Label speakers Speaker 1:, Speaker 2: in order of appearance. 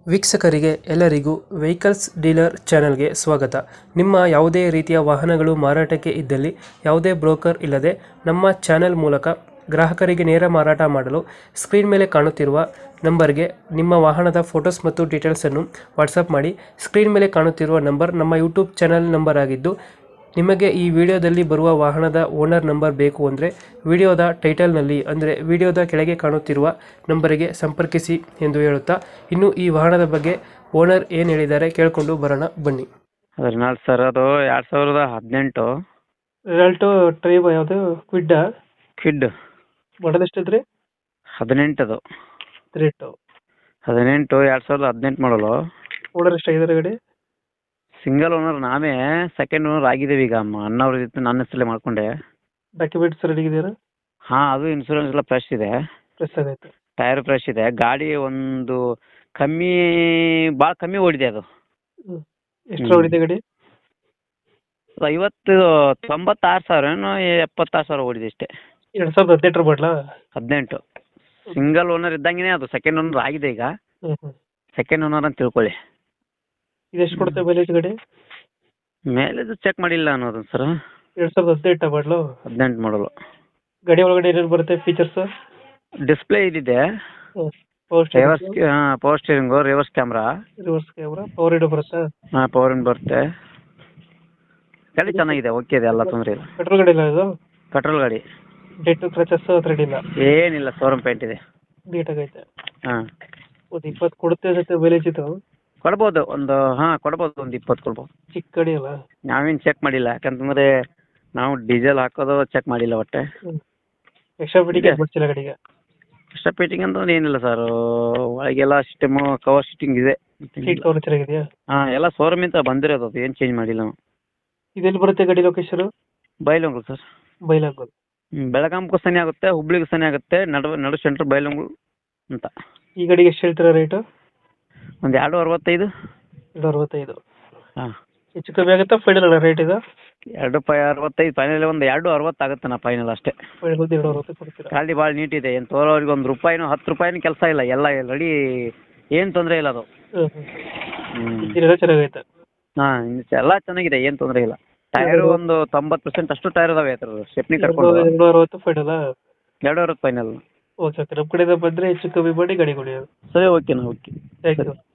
Speaker 1: ವೀಕ್ಷಕರಿಗೆ ಎಲ್ಲರಿಗೂ vehicles dealer ಚಾನೆಲ್ಗೆ ಸ್ವಾಗತ. ನಿಮ್ಮ ಯಾವುದೇ ರೀತಿಯ ವಾಹನಗಳು ಮಾರಾಟಕ್ಕೆ ಇದ್ದಲ್ಲಿ ಯಾವುದೇ ಬ್ರೋಕರ್ ಇಲ್ಲದೆ ನಮ್ಮ ಚಾನೆಲ್ ಮೂಲಕ ಗ್ರಾಹಕರಿಗೆ ನೇರ ಮಾರಾಟ ಮಾಡಲು ಸ್ಕ್ರೀನ್ ಮೇಲೆ ಕಾಣುತ್ತಿರುವ ನಂಬರ್ಗೆ ನಿಮ್ಮ ವಾಹನದ ಫೋಟೋಸ್ ಮತ್ತು ಡೀಟೇಲ್ಸನ್ನು ವಾಟ್ಸಪ್ ಮಾಡಿ. ಸ್ಕ್ರೀನ್ ಮೇಲೆ ಕಾಣುತ್ತಿರುವ ನಂಬರ್ ನಮ್ಮ ಯೂಟ್ಯೂಬ್ ಚಾನೆಲ್ ನಂಬರ್ ಆಗಿದ್ದು, ನಿಮಗೆ ಈ ವಿಡಿಯೋದಲ್ಲಿ ಬರುವ ವಾಹನದ ಓನರ್ ನಂಬರ್ ಬೇಕು ಅಂದರೆ ವಿಡಿಯೋದ ಟೈಟಲ್ನಲ್ಲಿ ಅಂದರೆ ವಿಡಿಯೋದ ಕೆಳಗೆ ಕಾಣುತ್ತಿರುವ ನಂಬರಿಗೆ ಸಂಪರ್ಕಿಸಿ ಎಂದು ಹೇಳುತ್ತಾ, ಇನ್ನು ಈ ವಾಹನದ ಬಗ್ಗೆ ಓನರ್ ಏನು ಹೇಳಿದ್ದಾರೆ ಕೇಳಿಕೊಂಡು ಬರೋಣ ಬನ್ನಿ.
Speaker 2: ರೆನಾಲ್ಟ್ ಸರ್, ಅದು 2018
Speaker 1: ರಿಸಲ್ಟು ಟ್ರೈಬ್ ಯಾವುದು
Speaker 2: ಕ್ವಿಡ್
Speaker 1: ಮಾಡಲ್ ಎಷ್ಟಿದ್ರಿ?
Speaker 2: 18 ಅದು
Speaker 1: ರೇಟು
Speaker 2: 2018 ಮಾಡಲು.
Speaker 1: ಓನರ್ ಎಷ್ಟಾಗಿದ್ದಾರೆ ಗಾಡಿ?
Speaker 2: ಸಿಂಗಲ್ ಓನರ್, ನಾವೇ ಸೆಕೆಂಡ್ ಓನರ್ ಆಗಿದ್ದೇವೆ. ಈಗ ಅಣ್ಣವ್ರ ಜೊತೆ ನನ್ನ ಹೆಸರಲ್ಲೇ ಮಾಡ್ಕೊಂಡೆ.
Speaker 1: ಡಾಕ್ಯುಮೆಂಟ್ಸ್ ರೆಡಿ ಇದೆಯಾ?
Speaker 2: ಹಾಂ, ಅದು ಇನ್ಶೂರೆನ್ಸ್ ಎಲ್ಲ ಫ್ರೆಶ್ ಇದೆ,
Speaker 1: ಪ್ರೆಸ್ ಆಗೈತೆ.
Speaker 2: ಟೈರ್ ಫ್ರೆಶ್ ಇದೆ. ಗಾಡಿ ಒಂದು ಭಾಳ ಕಮ್ಮಿ ಓಡಿದೆ. ಅದು
Speaker 1: ಎಷ್ಟು ಹೊಡಿದೆ ಗಾಡಿ?
Speaker 2: 96,000 ಏನೋ 76,000 ಓಡಿದೆ ಅಷ್ಟೇ.
Speaker 1: 2018 ಮಾಡಲಾ?
Speaker 2: 18 ಸಿಂಗಲ್ ಓನರ್ ಇದ್ದಂಗೆ. ಅದು ಸೆಕೆಂಡ್ ಓನರ್ ಆಗಿದೆ. ಈಗ ಸೆಕೆಂಡ್ ಓನರ್ ಅಂತ ತಿಳ್ಕೊಳ್ಳಿ.
Speaker 1: ಇದೆಷ್ಟು ಕೊಡುತ್ತೆ ಮೈಲೇಜ್ ಗಾಡಿ?
Speaker 2: ಮೈಲೇಜ್ ಚೆಕ್ ಮಾಡಿಲ್ಲ ಅನ್ನೋದು ಸರ್.
Speaker 1: 2018 ಮಾಡಲು?
Speaker 2: 18 ಮಾಡಲು.
Speaker 1: ಗಾಡಿ ಒಳಗಡೆ ಏನೇನು ಬರುತ್ತೆ ಫೀಚರ್ಸ್?
Speaker 2: ಡಿಸ್ಪ್ಲೇ ಇದಿದೆ, power steering, reverse camera,
Speaker 1: power window ಬರುತ್ತಾ?
Speaker 2: ಹಾಂ, ಪವರ್ ವಿಂಡೋ ಬರುತ್ತೆ. ಗಾಡಿ ಚೆನ್ನಾಗಿದೆ, ಓಕೆ ಇದೆ, ಎಲ್ಲ ತೊಂದರೆ ಇಲ್ಲ.
Speaker 1: ಪೆಟ್ರೋಲ್ ಗಾಡಿ ಇಲ್ಲ ಇದು?
Speaker 2: ಪೆಟ್ರೋಲ್ ಗಾಡಿ.
Speaker 1: ಡೆಂಟು ಕ್ರಚಸ್ ಥ್ರೆಡ್ ಇಲ್ಲ?
Speaker 2: ಏನಿಲ್ಲ, ಶೋರೂಮ್ ಪೇಂಟ್ ಇದೆ.
Speaker 1: ನೀಟಾಗೈತೆ.
Speaker 2: ಹಾಂ,
Speaker 1: ಒಂದು 20 ಕೊಡುತ್ತೆ ಅನ್ಸುತ್ತೆ ಮೈಲೇಜ್ ಇದು?
Speaker 2: ಕೊಡ್ಬೋದು, ಒಂದು 20 ಕೊಡ್ಬೋದು.
Speaker 1: ಚಿಕ್ಕ ಗಾಡಿ ಅಲ್ಲ?
Speaker 2: ನಾವೇನು ಚೆಕ್ ಮಾಡಿಲ್ಲ, ಯಾಕಂತಂದರೆ ನಾವು ಡೀಸೆಲ್ ಹಾಕೋದು ಚೆಕ್ ಮಾಡಿಲ್ಲ ಒಟ್ಟೆ.
Speaker 1: ಎಕ್ಸ್ಟ್ರಾ ಫಿಟ್ಟಿಂಗ್ ಮಾಡ್ಸಿಲ್ಲ ಗಾಡಿಗೆ?
Speaker 2: ಎಕ್ಸ್ಟ್ರಾ ಫಿಟ್ಟಿಂಗ್ ಅಂತ ಏನಿಲ್ಲ ಸರ್. ಒಳಗೆಲ್ಲ ಸಿಸ್ಟಮು, ಕವರ್ ಸಿಟ್ಟಿಂಗ್ ಇದೆ.
Speaker 1: ಸೀಟ್ ಕವರ್ ಚೆನ್ನಾಗಿದೆಯಾ?
Speaker 2: ಹಾಂ, ಎಲ್ಲ ಶೋರೂಮಿಂದ ಬಂದಿರೋದು, ಅದು ಏನು ಚೇಂಜ್ ಮಾಡಿಲ್ಲ ನಾವು.
Speaker 1: ಇದೆಲ್ಲಿ ಬರುತ್ತೆ ಗಾಡಿ ಲೊಕೇಶನ್?
Speaker 2: ಬೈಲಹೊಂಗಲ ಸರ್.
Speaker 1: ಬೈಲಹೊಂಗಲ.
Speaker 2: ಬೆಳಗಾಂಗೂ ಸನಿ ಆಗುತ್ತೆ, ಹುಬ್ಳಿಗೂ ಸನಿ ಆಗುತ್ತೆ. ನಡು ಸೆಂಟ್ರ್ ಬೈಲಹೊಂಗಲ ಅಂತ.
Speaker 1: ಈ ಗಾಡಿಗೆ ಎಷ್ಟು ಹೇಳ್ತೀರಾ ರೇಟು?
Speaker 2: ಒಂದು 265.
Speaker 1: 265?
Speaker 2: ಹಾಂ,
Speaker 1: ಹೆಚ್ಚು ಕಮ್ಮಿ ಆಗುತ್ತಾ ಫೈನಲ್ ಅಲ್ಲ ರೇಟ್ ಇದು?
Speaker 2: 265 ಫೈನಲ್, ಒಂದು 260 ಆಗುತ್ತೆ ನಾ ಫೈನಲ್ ಅಷ್ಟೇ.
Speaker 1: ಫೈನಲ್ 260 ಕೊಡ್ತೀರಾ?
Speaker 2: ಗಾಡಿ ಭಾಳ ನೀಟ್ ಇದೆ, ಏನು ತೋರೋರಿಗೆ ಒಂದು ರೂಪಾಯಿನೂ 10 ರೂಪಾಯಿನೂ ಕೆಲಸ ಇಲ್ಲ, ಎಲ್ಲ ರೆಡಿ, ಏನು ತೊಂದರೆ ಇಲ್ಲ ಅದು.
Speaker 1: ಇಂಜಿನ್ ಚೆನ್ನಾಗೈತೆ?
Speaker 2: ಹಾಂ, ಎಲ್ಲ ಚೆನ್ನಾಗಿದೆ, ಏನು ತೊಂದರೆ ಇಲ್ಲ. ಟೈರು ಒಂದು 90% ಅಷ್ಟು ಟೈರ್ ಇದಾವೆ ಅದ್ರ ಸ್ಟೆಪ್ನಿ ಕಟ್ಕೊಂಡು.
Speaker 1: 260 ಫೈನಲ್?
Speaker 2: 260 ಫೈನಲ್.
Speaker 1: ಓಕೆ ಓಕೆ, ನಮ್ಮ ಕಡೆಯಿಂದ ಬಂದರೆ ಹೆಚ್ಚು ಕಮ್ಮಿ ಮಾಡಿ ಗಾಡಿ ಕೊಡಿ.
Speaker 2: ಸರಿ, ಓಕೆನಾ? Okay,
Speaker 1: thank you.